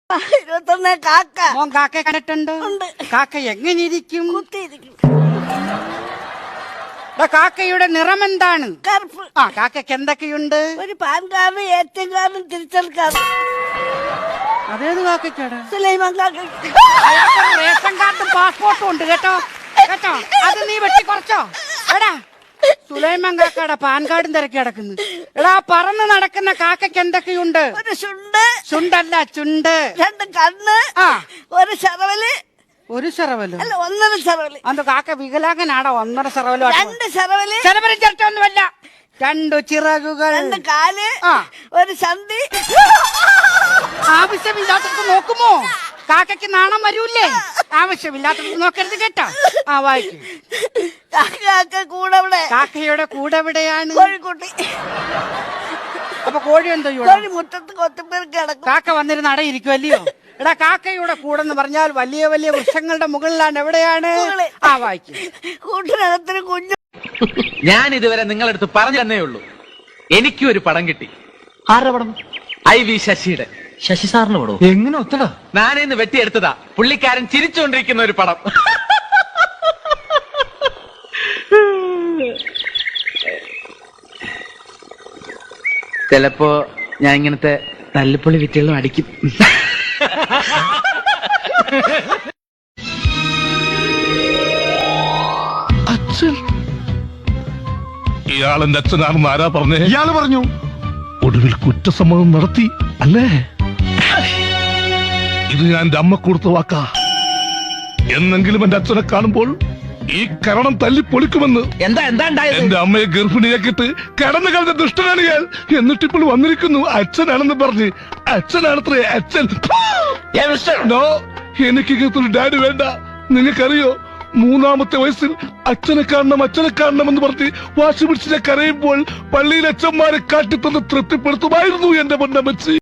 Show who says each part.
Speaker 1: 21 കാക്ക.
Speaker 2: മോൻ കാക്കയെ കണ്ടിട്ടുണ്ടോ?
Speaker 1: ഉണ്ട്.
Speaker 2: കാക്ക എങ്ങനെ ഇരിക്കും?
Speaker 1: കുത്തിയിരിക്കും.
Speaker 2: കാക്കയുടെ നിറം എന്താണ്?
Speaker 1: കറുപ്പ്.
Speaker 2: ആ കാക്കയ്ക്ക് എന്തൊക്കെയുണ്ട്?
Speaker 1: ഒരു പാൻ കാർഡ്, ATM കാർഡും തിരിച്ചൽ കാർഡ്.
Speaker 2: അതേത് കാക്കയ്ക്കാടാ?
Speaker 1: സുലൈമാൻ കാക്ക.
Speaker 2: അയാൾക്ക് റേഷൻ കാർഡും പാസ്പോർട്ടും ഉണ്ട് കേട്ടോ. കേട്ടോ, അത് നീ വെട്ടി കുറച്ചോ? എടാ സുലൈമാൻ കാക്കയുടെ പാൻ കാർഡും തിരക്കി കിടക്കുന്നു. എടാ പറന്ന് നടക്കുന്ന കാക്കയ്ക്ക് എന്തൊക്കെയുണ്ട്?
Speaker 1: ഒരു ചുണ്ട്.
Speaker 2: ചുണ്ടല്ല ചുണ്ട്.
Speaker 1: 2 കണ്ണ്.
Speaker 2: ആ
Speaker 1: ഒരു ചെറവല്.
Speaker 2: ഒരു ചെറവല്
Speaker 1: അല്ല 1.5 ചെറവല്.
Speaker 2: അന്ത കാക്ക വികലാംഗനാടോ? 1.5 ചെറവല്?
Speaker 1: 2 ചെറവല്.
Speaker 2: ചെലവരും ചേർച്ചൊന്നുമല്ല. 2 ചിറകുകൾ.
Speaker 1: 2 കാല്.
Speaker 2: ആ.
Speaker 1: ഒരു ചന്തി.
Speaker 2: ആവശ്യമില്ലാത്തത് നോക്കുമോ? കാക്കയ്ക്ക് നാണം വരൂല്ലേ? ആവശ്യമില്ലാത്തത് നോക്കരുത് കേട്ടോ. ആ വായിക്കും.
Speaker 1: കാക്ക കൂടെ ഇവിടെ.
Speaker 2: കാക്കയുടെ കൂടെ എവിടെയാണ്?
Speaker 1: കോഴിക്കുട്ടി.
Speaker 2: അപ്പൊ കോഴി എന്തോ
Speaker 1: കോഴി മുറ്റത്ത് കൊത്തുപേർ കിടക്കും.
Speaker 2: കാക്ക വന്നിരുന്ന് അടയിരിക്കുമല്ലയോ? എടാ കാക്കയുടെ കൂടെന്ന് പറഞ്ഞാൽ വലിയ വലിയ വൃക്ഷങ്ങളുടെ മുകളിലാണ്. എവിടെയാണ്? ആ വായിക്കും.
Speaker 1: കൂട്ടിനകത്തിന് കുഞ്ഞു.
Speaker 3: ഞാൻ ഇതുവരെ നിങ്ങളടുത്ത് പറഞ്ഞു തന്നേ ഉള്ളൂ. എനിക്കും ഒരു പടം കിട്ടി.
Speaker 4: ആരുടെ പടം?
Speaker 3: IV ശശിയുടെ.
Speaker 4: ശശി സാറിന് പടം? എങ്ങനെ ഒത്തടാ?
Speaker 3: ഞാനിന്ന് വെട്ടിയെടുത്തതാ. പുള്ളിക്കാരൻ ചിരിച്ചുകൊണ്ടിരിക്കുന്ന ഒരു പടം. ചിലപ്പോ ഞാൻ ഇങ്ങനത്തെ തല്ലിപ്പൊളി വിറ്റുകളും അടിക്കും.
Speaker 5: അച്ഛൻ ഇയാളെന്റെ അച്ഛനാണെന്ന് ആരാ പറഞ്ഞേ?
Speaker 6: ഇയാള് പറഞ്ഞു.
Speaker 5: ഒടുവിൽ കുറ്റസമ്മതം നടത്തി അല്ലേ? ഇത് ഞാൻ എന്റെ അമ്മ കൊടുത്ത വാക്കാ. എന്നെങ്കിലും എന്റെ അച്ഛനെ കാണുമ്പോൾ ഈ കരണം തല്ലി പൊളിക്കുമെന്ന്.
Speaker 4: എന്താ ഉണ്ടായത്?
Speaker 5: എന്റെ അമ്മയെ ഗർഭിണിയാക്കിട്ട് കടന്നു കളഞ്ഞ ദുഷ്ടനാണ് ഞാൻ. എന്നിട്ടിപ്പോൾ വന്നിരിക്കുന്നു അച്ഛനാണെന്ന് പറഞ്ഞ്. അച്ഛനാണത്രേ അച്ഛൻ. നോ, എനിക്ക് ഇങ്ങനത്തെ ഡാഡി വേണ്ട. നിങ്ങൾക്കറിയോ, 3-ാമത്തെ വയസ്സിൽ അച്ഛനെ കാണണം എന്ന് പറഞ്ഞ് വാശി പിടിച്ച് കരയുമ്പോൾ പള്ളിയിലെ അച്ഛന്മാരെ കാട്ടിത്തന്ന് തൃപ്തിപ്പെടുത്തുമായിരുന്നു എന്റെ പൊന്നമ്മച്ചി.